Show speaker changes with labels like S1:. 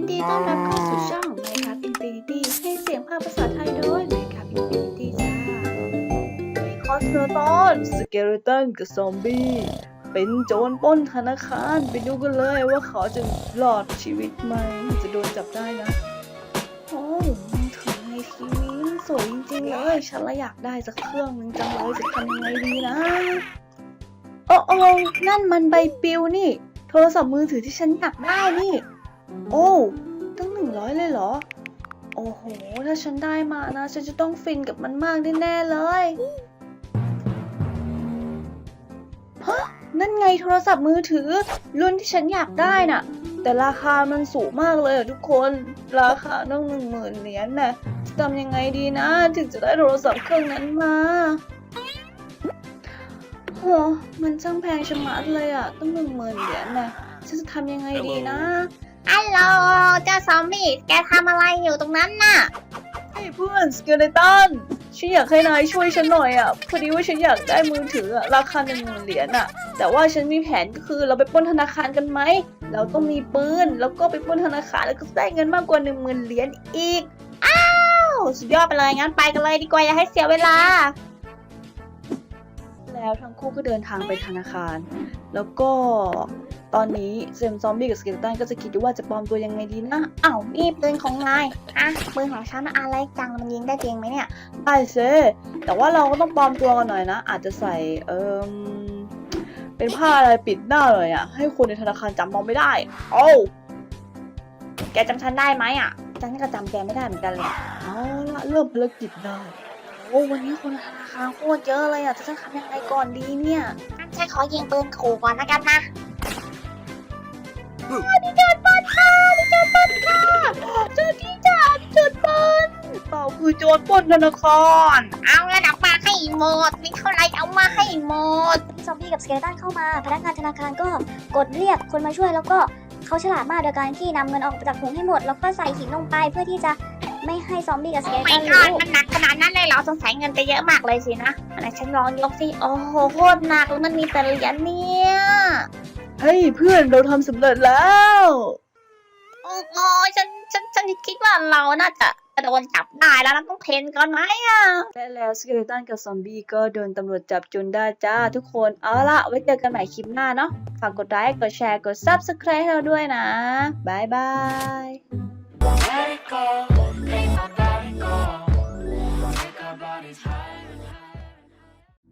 S1: ดีต้อนรับเข้าสู่ช่อง Minecraft Infinity ให้เสียงภาคภาษาไทยโดย Minecraft Infinity จ้าคอสเทอร์ตอนสเกเลตันกับซอมบี้เป็นโจรปล้นธนาคารไปดูกันเลยว่าเขาจะรอดชีวิตไหมจะโดนจับได้นะโอ้มือถือในทีวีสวยจริงๆเลยฉันละอยากได้สักเครื่องนึงจังเลยจะทำยังไงดีนะโอ้นั่นมันใบปลิวนี่โทรศัพท์มือถือที่ฉันอยากได้นี่โอ้ตั้ง100เลยเหรอโอ้โหถ้าฉันได้มานะฉันจะต้องฟินกับมันมากแน่ๆเลยฮะนั่นไงโทรศัพท์มือถือรุ่นที่ฉันอยากได้น่ะแต่ราคามันสูงมากเลยทุกคนราคาต้อง10,000 เหรียญน่ะจะทำยังไงดีนะถึงจะได้โทรศัพท์เครื่องนั้นมาโหมันช่างแพงชะมัดเลยอ่ะต้อง10,000 เหรียญน่ะฉันจะทำยังไงดีนะ
S2: ฮัลโหลเจ้าซอมบี้แกทำอะไรอยู่ตรงนั้นน่ะ
S1: เฮ้ยเพื่อนสเกเลตันฉันอยากให้นายช่วยฉันหน่อยอ่ะพอดีว่าฉันอยากได้มือถือราคา10,000 เหรียญอ่ะแต่ว่าฉันมีแผนก็คือเราไปปล้นธนาคารกันไหมเราต้องมีปืนแล้วก็ไปปล้นธนาคารแล้วก็ได้เงินมากกว่า10,000 เหรียญอีก
S2: อ้าวสุดยอดไปเลยงั้นไปกันเลยดีกว่าอย่าให้เสียเวลา
S1: แล้วทั้งคู่ก็เดินทางไปธนาคารแล้วก็ตอนนี้ซอมบี้กับสเกเลตันก็จะคิดว่าจะปลอมตัวยังไงดีนะ
S2: อ้าวนี่ปืนของนายอ่ะปืนของฉันอะไรจังมันยิงได้จริงไหมเนี่ย
S1: ได้สิแต่ว่าเราก็ต้องปลอมตัวกันหน่อยนะอาจจะใส่เป็นผ้าอะไรปิดหน้าเลยอ่ะให้คนในธนาคารจำเราไม่ได้โอ้
S2: แกจำฉันได้ไหมอ่ะฉันก็จำแกไม่ได้เหมือนกันเลย
S1: เอาละเริ่มภารกิจได้โอ้วันนี้คนในธนาคารโคตรเยอะเลยอ่ะจะทำยังไงก่อนดีเนี่ย
S2: ฉันขอยิงปืนขู่ก่อนนะกันนะดิโจรปล้นค่ะดิโจรปล้นค่ะเจ้าที่จ่าดิโจรปล้น
S1: เราคือโจรปล้นธนาคาร
S2: เอาเงินออกมาให้หมดมีเท่าไรเอามาให้หมด
S3: ซอมบี้กับสเกเลตันเข้ามาพนักงานธนาคารก็กดเรียกคนมาช่วยแล้วก็เขาฉลาดมากโดยการที่นำเงินออกจากถุงให้หมดแล้วก็ใส่หินลงไปเพื่อที่จะไม่ให้ซอมบี้กับสเกเลตันรู้
S2: มันหนักขนาดนั้นเลยเหรอสงสัยเงินไปเยอะมากเลยสินะอะไรฉันลองยกสิโอ้โหโคตรหนักแล้วมันมีแต่เหรียญเนี่ย
S1: เฮ้ยเพื่อนเราทำสำเร็จแล้ว
S2: โอ้โหฉันคิดว่าเราน่าจะโดนจับได้แล้วเราต้องเทรนก่อนไหมอ่ะ
S1: และแล้วสเกเลตันกับซอมบี้ก็โดนตำรวจจับจนได้จ้าทุกคนเอาล่ะไว้เจอกันใหม่คลิปหน้าเนาะฝากกดไลค์กดแชร์กด Subscribe ให้เราด้วยนะบ๊ายบาย